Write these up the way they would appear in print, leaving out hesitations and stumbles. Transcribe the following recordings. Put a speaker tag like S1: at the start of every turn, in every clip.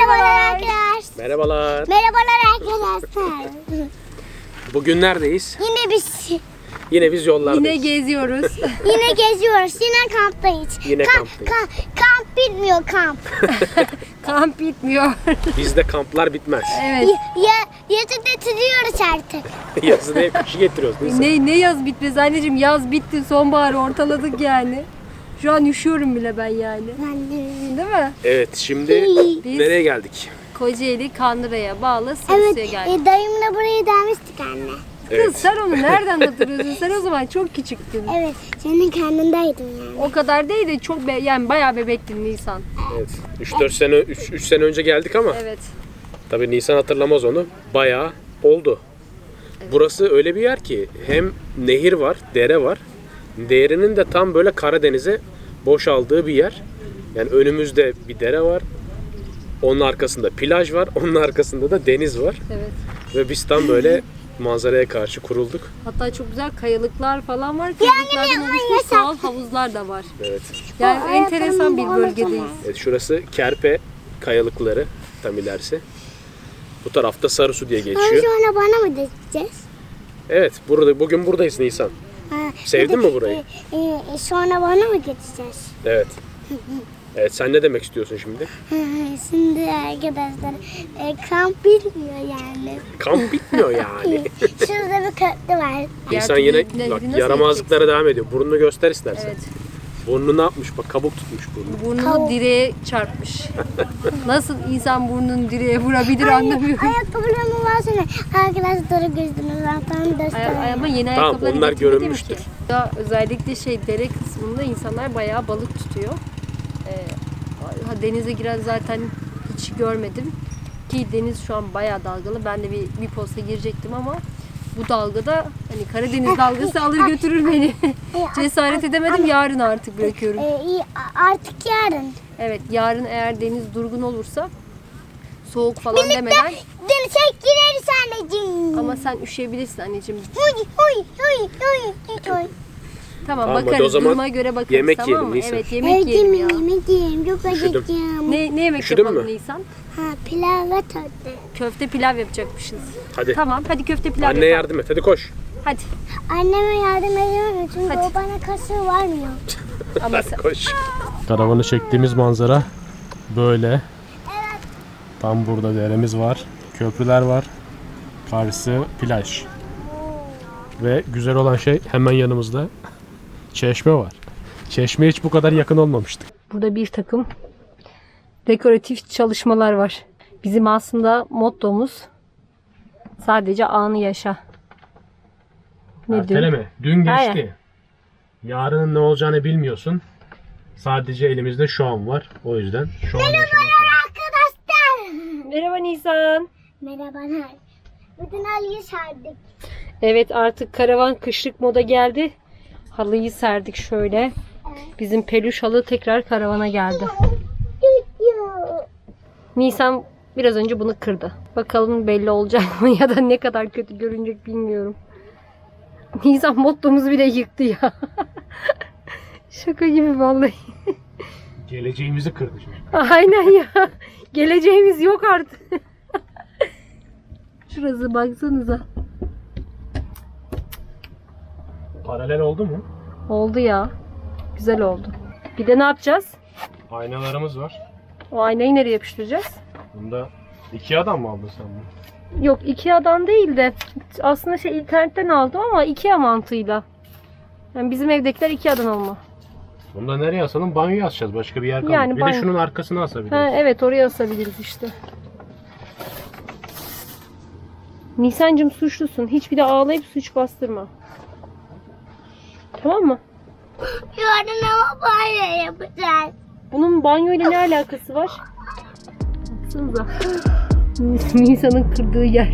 S1: Merhabalar arkadaşlar.
S2: Merhabalar.
S1: Merhabalar arkadaşlar.
S2: Bugün neredeyiz? Yine biz yollardayız.
S3: Yine geziyoruz.
S1: Yine geziyoruz. Yine kamptayız.
S2: Yine kamptayız.
S1: Kamp bitmiyor kamp.
S3: Kamp bitmiyor.
S2: Bizde kamplar bitmez.
S3: Evet.
S1: Yazı getiriyoruz artık.
S2: Yazı değil, kışı getiriyoruz. Nisan.
S3: Ne yaz bitmez anneciğim, yaz bitti, sonbaharı ortaladık yani. Şu an üşüyorum bile ben yani.
S1: Ben de.
S3: Değil mi?
S2: Evet, şimdi
S3: Biz-
S2: nereye geldik?
S3: Kocaeli Kandıra'ya bağlı Sarısı'ya
S1: Evet,
S3: geldik.
S1: dayımla buraya gelmiştik anne.
S3: Kız sen onu nereden hatırlıyorsun? Sen o zaman çok küçüktün.
S1: Evet, senin karnındaydım yani.
S3: O kadar değil de çok yani bayağı bebektin Nisan.
S2: Evet. 3 sene önce geldik ama
S3: Evet.
S2: tabii Nisan hatırlamaz onu. Bayağı oldu. Burası öyle bir yer ki hem nehir var, dere var. Derenin de tam böyle Karadeniz'e boşaldığı bir yer. Yani önümüzde bir dere var. Onun arkasında plaj var. Onun arkasında da deniz var.
S3: Evet.
S2: Ve biz tam böyle manzaraya karşı kurulduk.
S3: Hatta çok güzel kayalıklar falan var. Kayalıklardan oluşmuş doğal havuzlar da var.
S2: Evet.
S3: Yani enteresan bir bölgedeyiz.
S2: Evet, şurası Kerpe kayalıkları, tam ilerisi. Bu tarafta Sarısu diye geçiyor.
S1: Sonra bana mı diyeceğiz?
S2: Evet, bugün buradayız Nisan. Sevdin mi burayı?
S1: Sonra bana mı geçeceğiz?
S2: Evet. Evet, sen ne demek istiyorsun şimdi?
S1: Şimdi arkadaşlar kamp bitmiyor yani.
S2: Kamp bitmiyor yani.
S1: Şurada bir köprü var.
S2: Nisan
S3: Diğer
S2: yine
S3: türlü
S2: bak
S3: nasıl
S2: yaramazlıklara devam ediyor. Burnunu göster istersen.
S3: Evet.
S2: Burnunu ne yapmış? Bak kabuk tutmuş burnu.
S3: Burnunu direğe çarpmış. Nasıl insan burnunu direğe vurabilir anlamıyorum.
S1: Ayakkabılarımı versene. Arkadaşlara gözünü zaten göster.
S3: Ama yeni
S2: Tamam,
S3: ayakkabıları
S2: onlar
S3: getirmedim
S2: görünmüştür.
S3: ki. Ya özellikle dere kısmında insanlar bayağı balık tutuyor. Denize giren zaten hiç görmedim. Ki deniz şu an bayağı dalgalı. Ben de bir posta girecektim ama bu dalgada hani Karadeniz dalgası alır götürür beni. Cesaret edemedim. Yarın artık bırakıyorum.
S1: Artık yarın.
S3: Evet, yarın eğer deniz durgun olursa soğuk falan demeden,
S1: Denize gireriz anneciğim.
S3: ama sen üşüyebilirsin anneciğim.
S1: Huy huy huy huy huy.
S3: Tamam,
S2: Tamam, hadi o
S3: bakarız.
S2: zaman
S3: Duruma göre bakarız,
S2: yemek
S3: tamam
S2: yiyelim
S3: mı?
S2: Nisan.
S3: Evet, yemek yiyelim ya.
S1: Yemek yiyeyim. Çok
S2: Üşüdüm.
S1: acıktım.
S3: Ne yemek
S2: Üşüdün
S3: yapalım
S2: mü?
S3: Nisan?
S1: Pilav ve tatlı.
S3: Köfte pilav yapacakmışız.
S2: Hadi.
S3: Tamam, hadi köfte pilav
S2: Anne
S3: yapalım.
S2: yardım et. Hadi koş.
S3: Hadi.
S1: Anneme yardım ediyorum çünkü
S3: Hadi.
S1: o bana kaşığı vermiyor.
S3: Ama sen...
S2: Koş. Karavanı çektiğimiz manzara böyle. Tam burada deremiz var. Köprüler var. Karşısı plaj. Ve güzel olan şey hemen yanımızda çeşme var. Çeşmeye hiç bu kadar yakın olmamıştık.
S3: Burada bir takım dekoratif çalışmalar var. Bizim aslında mottomuz sadece anı yaşa. Ne diyor?
S2: Erteleme. Dün geçti.
S3: Aynen.
S2: Yarının ne olacağını bilmiyorsun. Sadece elimizde şu an var. O yüzden şu an yaşamak lazım.
S1: Arkadaşlar.
S3: Merhaba Nisan.
S1: Merhabalar. Bütün halıyı serdik.
S3: Evet, artık karavan kışlık moda geldi. Halıyı serdik şöyle. Bizim peluş halı tekrar karavana geldi. Nisan biraz önce bunu kırdı. Bakalım belli olacak mı ya da ne kadar kötü görünecek bilmiyorum. Nisan mottomuzu bile yıktı ya. Şaka gibi vallahi.
S2: Geleceğimizi kırdı çocuk.
S3: Aynen ya. Geleceğimiz yok artık. Şurası baksanıza.
S2: Paralel oldu mu?
S3: Oldu ya. Güzel oldu. Bir de ne yapacağız?
S2: Aynalarımız var.
S3: O aynayı nereye yapıştıracağız?
S2: Bunda 2 adam mı aldın sen bunu?
S3: Yok, IKEA'dan değil de aslında internetten aldım ama IKEA mantığıyla. Yani bizim evdekiler IKEA'dan alma.
S2: Bunu da nereye asalım? Banyoya asacağız. Başka bir yer kalmadı.
S3: Yani
S2: bir
S3: banyo.
S2: de şunun arkasına asabiliriz.
S3: Ha, evet, oraya asabiliriz işte. Nisancığım suçlusun. Hiçbir de ağlayıp suç bastırma. Tamam mı?
S1: Yarın ama banyo yapacağız.
S3: Bunun banyoyla ne alakası var? Baksanıza. Nisan'ın kırdığı yer.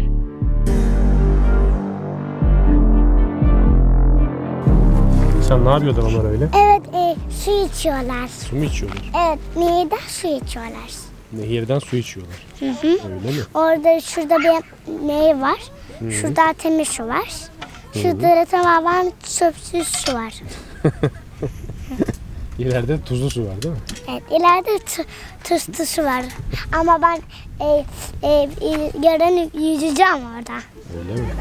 S2: Sen ne yapıyordun onlar öyle?
S1: Evet su içiyorlar.
S2: Su mu içiyorlar?
S1: Evet nehirden su içiyorlar.
S2: Nehirden su içiyorlar.
S1: Hı.
S2: Öyle mi?
S1: Orada şurada bir nehir var. Şurada temiz su var. Şurada da tamamen çöpsüz su var.
S2: İleride tuzlu su var değil mi?
S1: Evet, ileride tıstısı var. Ama ben yarın yüzeceğim orada.
S2: Öyle mi?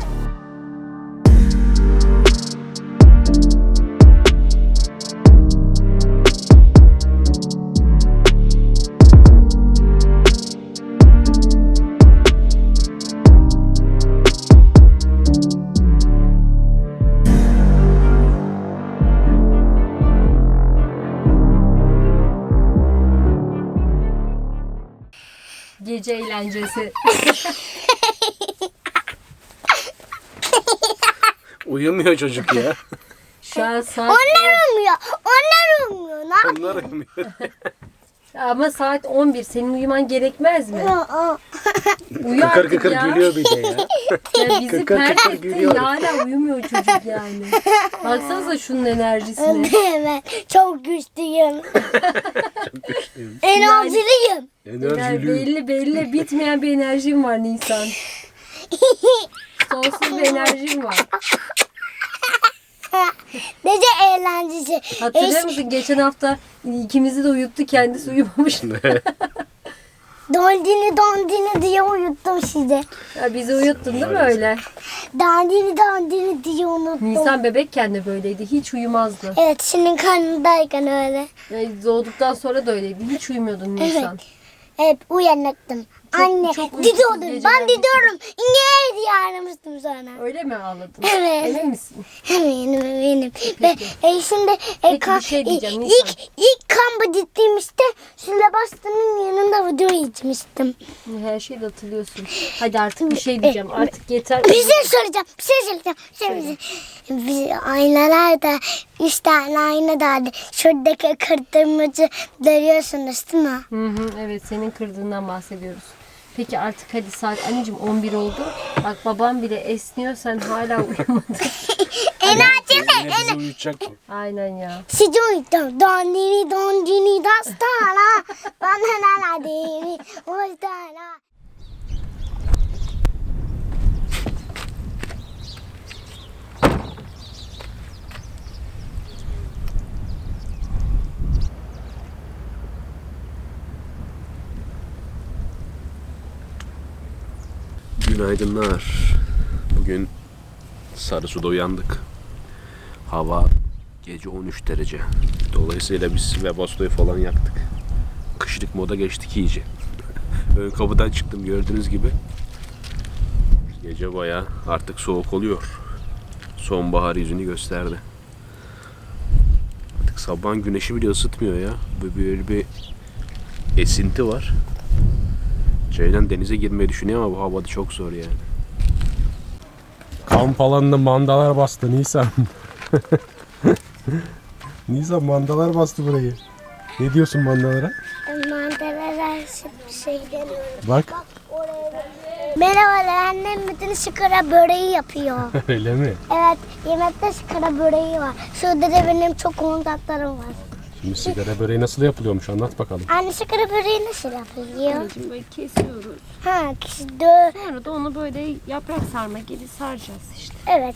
S3: Gece eğlencesi.
S2: Uyumuyor çocuk ya.
S3: Şu an saat...
S1: Onlar uyumuyor. Onlar uyumuyor. Ne
S2: Onlar uyumuyor.
S3: Ama saat 11. Senin uyuman gerekmez mi?
S1: yapıyor?
S3: Uyu
S2: Kıkır
S3: artık
S2: kıkır
S3: ya.
S2: gülüyor bir de ya.
S3: Ya bizi
S2: Kıkır
S3: pert
S2: kıkır
S3: etti.
S2: gülüyor.
S3: Ya hala uyumuyor çocuk yani. Baksanıza şunun enerjisine.
S1: Evet, çok güçlüyüm. Enerjiliyim.
S2: Enerjili.
S3: Belli bitmeyen bir enerjim var Nisan. Sonsuz bir enerjim var.
S1: Nece eğlencesi.
S3: Hatırlıyor musun? Geçen hafta ikimizi de uyuttu. Kendisi uyumamış.
S1: Dondini diye uyuttum sizi.
S3: Ya bizi uyuttun değil mi öyle?
S1: Dondini diye unuttum.
S3: Nisan bebekken de böyleydi. Hiç uyumazdı.
S1: Evet, senin karnındayken öyle.
S3: Yani doğduktan sonra da öyleydi. Hiç uyumuyordun Nisan.
S1: Hep uyanıktım. Anne,
S3: çok uykusuz
S1: didiyordum.
S3: geceler
S1: Ben didiyorum. İngiliz diye aramıştım sonra.
S3: Öyle mi ağladın?
S1: Evet.
S3: Emin misin?
S1: Eminim. Ve şimdi
S3: Peki, bir şey diyeceğim, Nisan.
S1: ilk kampı gittiğimizde Süleybastan'ın yanında video içmiştim.
S3: Her şeyi de hatırlıyorsun. Hadi artık bir şey diyeceğim. Artık yeter.
S1: Bir şey söyleyeceğim. Biz aynalarda 3 tane ayna vardı. Şuradaki kırdırmacı görüyorsunuz değil mi?
S3: Hı, evet, senin kırdığından bahsediyoruz. Peki artık hadi saat anneciğim 11 oldu. Bak babam bile esniyor, sen hala uyumadın.
S1: Enerjimi.
S2: Bizi uyutacak mı?
S3: Aynen ya.
S1: Sizi uyuttum. Dondini dastana. Bana dini. Ostana.
S2: Günaydınlar. Bugün Sarısu'da uyandık. Hava gece 13 derece. Dolayısıyla biz Webasto'yu falan yaktık. Kışlık moda geçtik iyice. Ön kapıdan çıktım gördüğünüz gibi. Gece bayağı artık soğuk oluyor. Sonbahar yüzünü gösterdi. Artık sabahın güneşi bile ısıtmıyor ya. Böyle bir esinti var. Ceylan denize girmeyi düşünüyor ama bu havada çok zor yani. Kamp alanında mandalar bastı Nisan. Nisan mandalar bastı burayı. Ne diyorsun mandalara?
S1: Mandalara şey deniyorum.
S2: Bak.
S1: Merhabalar, annem bütün şıkara böreği yapıyor.
S2: Öyle mi?
S1: Evet, yemekte şıkara böreği var. Şurada da benim çok kontaklarım var.
S2: Şimdi sigara böreği nasıl yapılıyormuş anlat bakalım.
S1: Anne şıkara böreği nasıl yapılıyor?
S3: Anneciğim böyle kesiyoruz.
S1: Ha, dö.
S3: Sonra da onu böyle yaprak sarma gibi saracağız işte.
S1: Evet.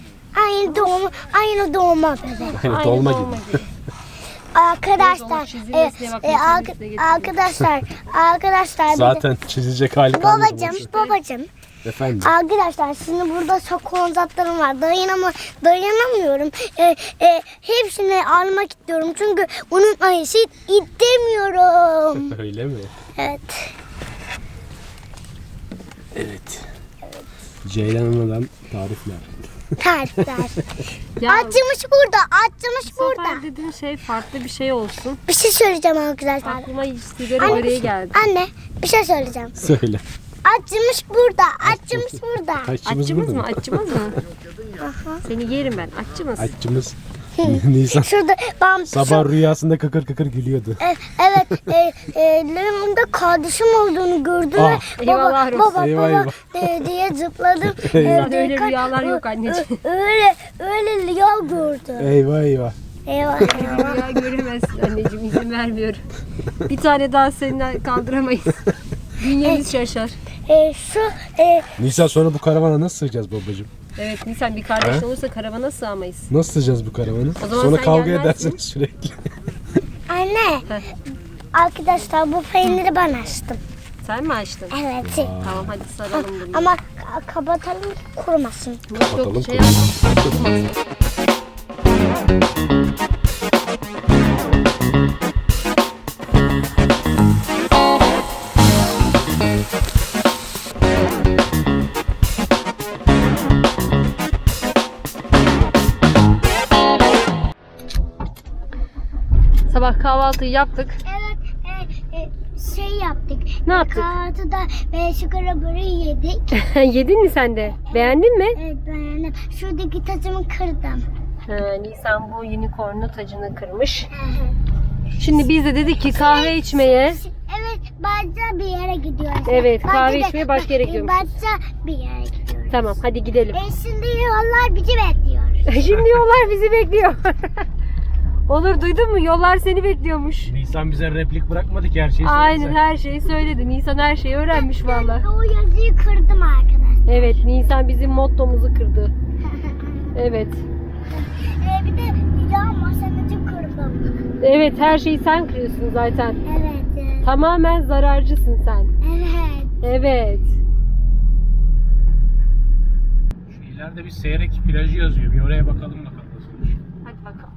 S1: Aynı doğma bebek.
S2: Aynı dolma gibi.
S1: Arkadaşlar,
S3: çizilmesine bak, çizilmesine getirdim.
S1: arkadaşlar.
S2: Zaten çizecek hali kalmadı.
S1: Babacım.
S2: Efendim.
S1: Arkadaşlar, şimdi burada çok konzatlarım var. Dayanamıyorum. Hepsini almak istiyorum. Çünkü onun ayısı istemiyorum.
S2: Öyle mi?
S1: Evet.
S2: Evet. Ceylan Hanım'dan tarifler.
S1: Tarifler.
S3: Ya,
S1: Açmış burada.
S3: bu sefer dediğin şey farklı bir şey olsun.
S1: Bir şey söyleyeceğim arkadaşlar.
S3: Aklıma sigara böreği geldi.
S1: Anne, bir şey söyleyeceğim.
S2: Söyle.
S1: Açmış burada. Açmış burada.
S2: Aşçımız
S3: Açımız
S2: burada
S3: mı? Açımız mı? Seni yerim ben. Açımız.
S2: Aşçımız. Nisan.
S1: Şurada
S2: Sabah rüyasında kıkır kıkır gülüyordu.
S1: Evet, yanımda kardeşim olduğunu gördüm.
S2: Ah.
S3: Eyvallah olsun.
S1: Baba
S2: Eyvah.
S1: diye zıpladım.
S2: Eyvah.
S3: Öyle rüyalar yok anneciğim.
S1: Öyle rüya gördüm.
S2: Eyvah eyvah.
S1: Eyvah.
S3: Rüya göremezsin anneciğim, izin vermiyorum. Bir tane daha seninle kaldıramayız. Bünyemiz şaşar.
S1: Şu
S2: Nisan sonra bu karavana nasıl sığacağız babacığım?
S3: Evet Nisan, bir kardeş olursa karavana sığamayız.
S2: Nasıl sığacağız bu karavana?
S3: O zaman
S2: Sonra
S3: sen
S2: kavga
S3: gelmezsin.
S2: edersiniz sürekli.
S1: anne, Arkadaşlar bu peyniri ben açtım.
S3: Sen mi açtın?
S1: Evet.
S3: Tamam hadi saralım bunu.
S1: Ama kapatalım ki kurumasın.
S3: Yok
S2: Kapatalım,
S3: yok şey
S2: kurulmasın.
S3: yapma. Sabah kahvaltıyı yaptık.
S1: Evet, şey yaptık.
S3: Ne yaptık?
S1: Kahvaltıda şıkara böreği yedik.
S3: Yedin mi sen de? Beğendin mi?
S1: Evet beğendim. Şuradaki tacımı kırdım.
S3: Nisan bu unicorn'un tacını kırmış. Şimdi biz de dedik ki kahve içmeye.
S1: Evet, başka bir yere gidiyoruz.
S3: Evet, kahve içmeye başka yere gidiyoruz.
S1: Başka bir yere gidiyoruz.
S3: Tamam hadi gidelim.
S1: Şimdi yollar bizi bekliyor.
S3: Şimdi yollar bizi bekliyor. Olur duydun mu? Yollar seni bekliyormuş.
S2: Nisan bize replik bırakmadı ki her şeyi
S3: Aynen her şeyi söyledi. Nisan her şeyi öğrenmiş valla.
S1: O yazıyı kırdım arkadaşlar.
S3: Evet Nisan bizim mottomuzu kırdı. Evet.
S1: Bir de cam masamızı kırdım.
S3: Evet her şeyi sen kırıyorsun zaten.
S1: Evet.
S3: Tamamen zararcısın sen.
S1: Evet.
S3: Evet.
S2: Şu ileride bir Seyrek plajı yazıyor. Bir oraya bakalım nasılmış.
S3: Hadi bakalım.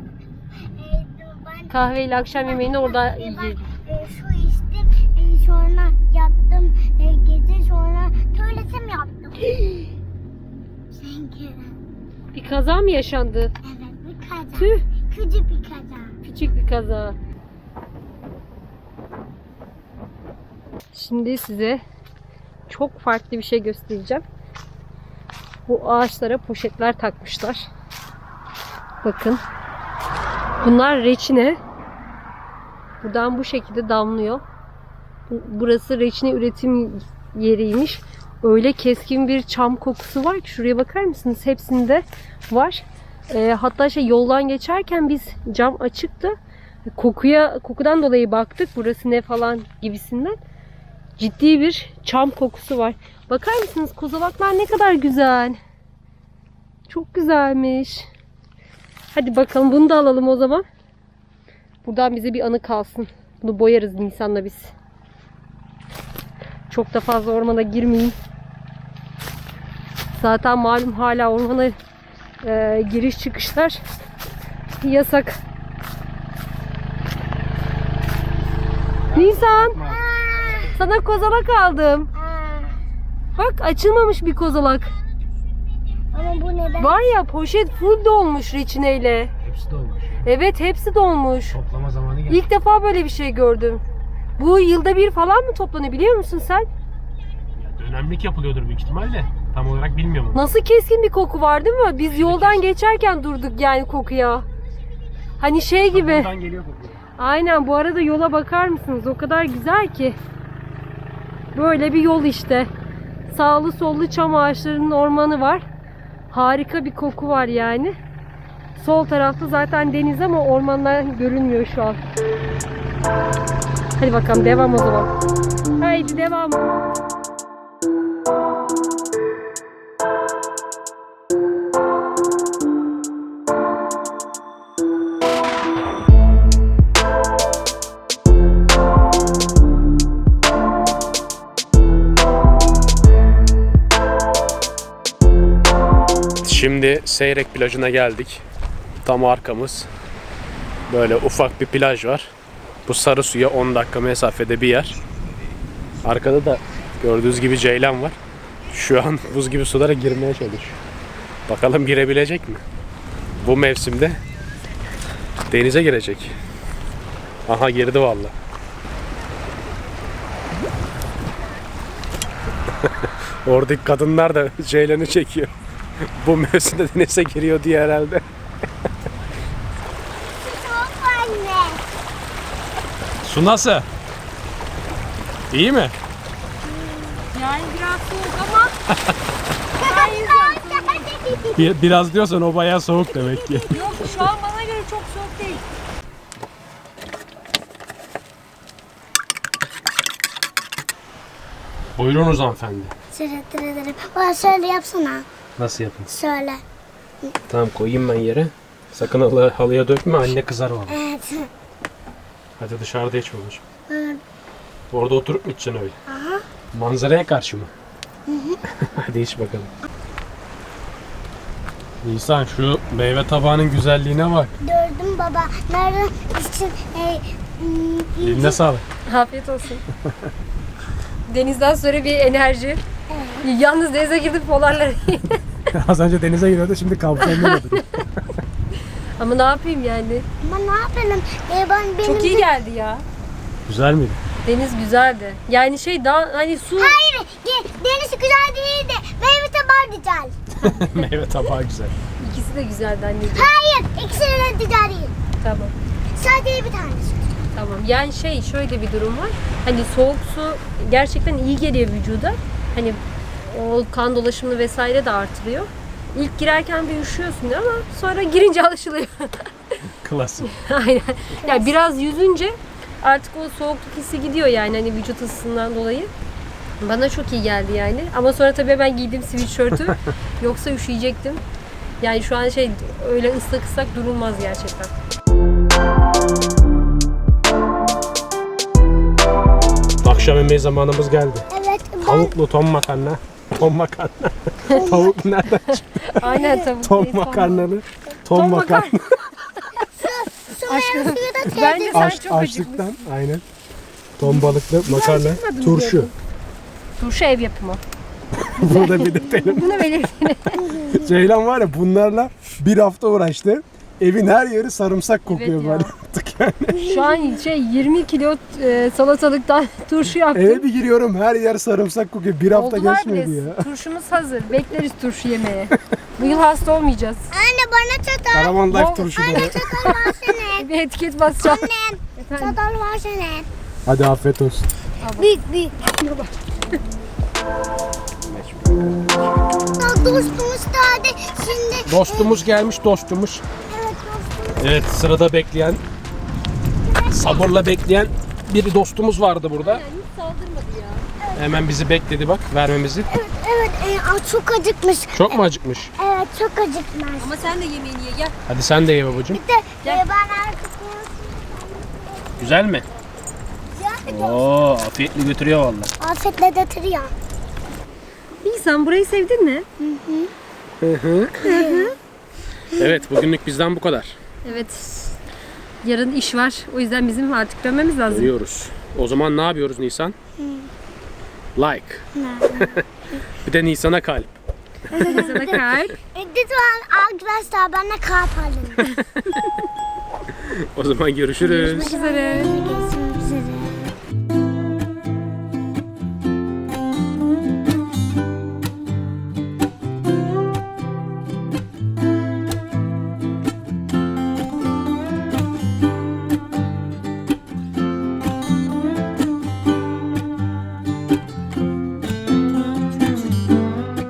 S1: Ben
S3: Kahveyle akşam yemeğini orada yiyelim.
S1: Su içtim, sonra yattım, gece sonra tuvaletim yaptım. Çünkü
S3: Bir kaza mı yaşandı?
S1: evet bir kaza.
S3: Tüh.
S1: Küçük bir kaza.
S3: Küçük bir kaza. Şimdi size çok farklı bir şey göstereceğim. Bu ağaçlara poşetler takmışlar. Bakın. Bunlar reçine. Buradan bu şekilde damlıyor. Burası reçine üretim yeriymiş. Öyle keskin bir çam kokusu var ki şuraya bakar mısınız? Hepsinde var. Hatta yoldan geçerken biz cam açıktı. Kokudan dolayı baktık. Burası ne falan gibisinden. Ciddi bir çam kokusu var. Bakar mısınız? Kozalaklar ne kadar güzel. Çok güzelmiş. Hadi bakalım bunu da alalım o zaman. Buradan bize bir anı kalsın. Bunu boyarız Nisan'la biz. Çok da fazla ormana girmeyin. Zaten malum hala ormana giriş çıkışlar yasak. Nisan, sana kozalak aldım. Bak açılmamış bir kozalak.
S1: Ama bu neden?
S3: Var ya poşet full dolmuş reçineyle.
S2: Hepsi dolmuş.
S3: Evet hepsi dolmuş.
S2: Toplama zamanı geldi.
S3: İlk defa böyle bir şey gördüm. Bu yılda bir falan mı toplanıyor biliyor musun sen?
S2: Ya dönemlik yapılıyordur büyük ihtimalle. Tam olarak bilmiyorum.
S3: Nasıl keskin bir koku var değil mi? Biz yoldan geçerken durduk yani kokuya. Hani şey gibi.
S2: Buradan geliyor kokuyor.
S3: Aynen bu arada yola bakar mısınız? O kadar güzel ki. Böyle bir yol işte. Sağlı sollu çam ağaçlarının ormanı var. Harika bir koku var yani. Sol tarafta zaten deniz ama ormanlar görünmüyor şu an. Hadi bakalım devam o zaman. Haydi devam.
S2: Şimdi Seyrek plajına geldik. Tam arkamız. Böyle ufak bir plaj var. Bu sarı suya 10 dakika mesafede bir yer. Arkada da gördüğünüz gibi ceylan var. Şu an buz gibi sulara girmeye çalışıyor. Bakalım girebilecek mi? Bu mevsimde denize girecek. Aha girdi vallahi. Oradaki kadınlar da ceylanı çekiyor. Bu mevsimde denize giriyor diye herhalde.
S1: Çok anne.
S2: Su nasıl? İyi mi?
S3: Yani biraz soğuk ama
S2: Biraz diyorsan o bayağı soğuk demek ki.
S3: yok şu an bana göre çok soğuk değil.
S2: Buyurunuz hanımefendi.
S1: Teşekkür ederim. Bana şöyle yapsana.
S2: Nasıl yapın?
S1: Şöyle.
S2: Tamam koyayım ben yere. Sakın halıya dökme anne kızar valla.
S1: Evet.
S2: Hadi dışarıda iç babacığım.
S1: Hı.
S2: Orada oturup mu içeceksin öyle?
S1: Aha.
S2: Manzaraya karşı mı? Hadi iç bakalım. Nisan şu meyve tabağının güzelliğine bak.
S1: Gördüm baba. Nerede için
S2: Eline sağlık.
S3: Afiyet olsun. Denizden sonra bir enerji. Yalnız denize girdim polarlara.
S2: Az önce denize giriyordu, şimdi kapsamda
S3: Ama ne yapayım yani?
S1: ama ne yapalım? Benim
S3: Çok iyi geldi ya.
S2: Güzel miydi?
S3: Deniz güzeldi. Yani şey daha hani su...
S1: Hayır, deniz güzel değildi. Meyve tabağı güzel.
S2: Meyve tabağı güzel.
S3: İkisi de güzeldi anneciğim.
S1: Hayır, ikisi de güzel değil.
S3: Tamam.
S1: Sadece bir tanesi.
S3: Tamam. Yani şey şöyle bir durum var. Hani soğuk su gerçekten iyi geliyor vücuda. Hani o kan dolaşımını vesaire de artırıyor. İlk girerken bir üşüyorsun ama sonra girince alışılıyor.
S2: Klasik.
S3: Aynen. Yani biraz yüzünce artık o soğukluk hissi gidiyor yani hani vücut ısısından dolayı. Bana çok iyi geldi yani. Ama sonra tabii ben giydim sweatshirt'ü. Yoksa üşüyecektim. Yani şu an şey öyle ıslak ıslak durulmaz gerçekten.
S2: Akşam yemeği zamanımız geldi.
S1: Evet,
S2: Tavuklu ton makarna. Ton makarna. Tavuk nereden çıktı?
S3: Aynen tabii.
S2: Ton makarnalı. Ton makarna.
S1: su ve suyu da
S3: Bence sen çok acıkmışsın.
S2: Açlıktan aynen. Ton balıklı makarna.
S3: acıkmadım
S2: Turşu.
S3: diyordum. Turşu ev yapımı.
S2: Burada bir de benim.
S3: Bunu belirtin.
S2: Ceylan var ya, bunlarla bir hafta uğraştı. Evin her yeri sarımsak kokuyor
S3: ya.
S2: böyle artık yani.
S3: Şu an şey 20 kilo salatalıktan turşu yaptım.
S2: Eve bir giriyorum, her yer sarımsak kokuyor. Bir hafta
S3: Oldular
S2: geçmedi
S3: bile.
S2: ya.
S3: Turşumuz hazır. Bekleriz turşu yemeye. Bu yıl hasta olmayacağız.
S1: Anne bana çatal.
S2: Karavan
S3: Bol-
S2: Life turşu da.
S1: Çatal versene.
S3: Bir etiket basacağım.
S1: Annem,
S3: Efendim?
S1: çatal versene.
S2: Hadi afiyet olsun.
S1: Büyük büyük. Dostumuz da hadi şimdi.
S2: Dostumuz gelmiş, dostumuz.
S1: Evet dostumuz.
S2: Evet, sırada bekleyen, sabırla bekleyen bir dostumuz vardı burada.
S3: Hiç saldırmadı ya.
S2: Hemen bizi bekledi bak, vermemizi.
S1: Evet, çok acıkmış.
S2: Çok mu acıkmış?
S1: Evet, çok acıkmış.
S3: Ama sen de yemeğini ye gel.
S2: Hadi sen de ye babacığım.
S1: Bir de
S3: Gel.
S1: ben arkasına
S2: Güzel mi? Oo, afiyetli götürüyor vallahi.
S1: afiyetle getiriyor.
S3: İyi, burayı sevdin mi?
S2: Evet, bugünlük bizden bu kadar.
S3: Evet. Yarın iş var. O yüzden bizim artık dönmemiz lazım.
S2: Görüyoruz. O zaman ne yapıyoruz Nisan? Like. Bir de Nisan'a kalp.
S3: Sana kalp.
S1: Lütfen arkadaşlar bana kalp alın.
S2: O zaman görüşürüz.
S3: Görüşmek üzere.
S1: Görüşürüz.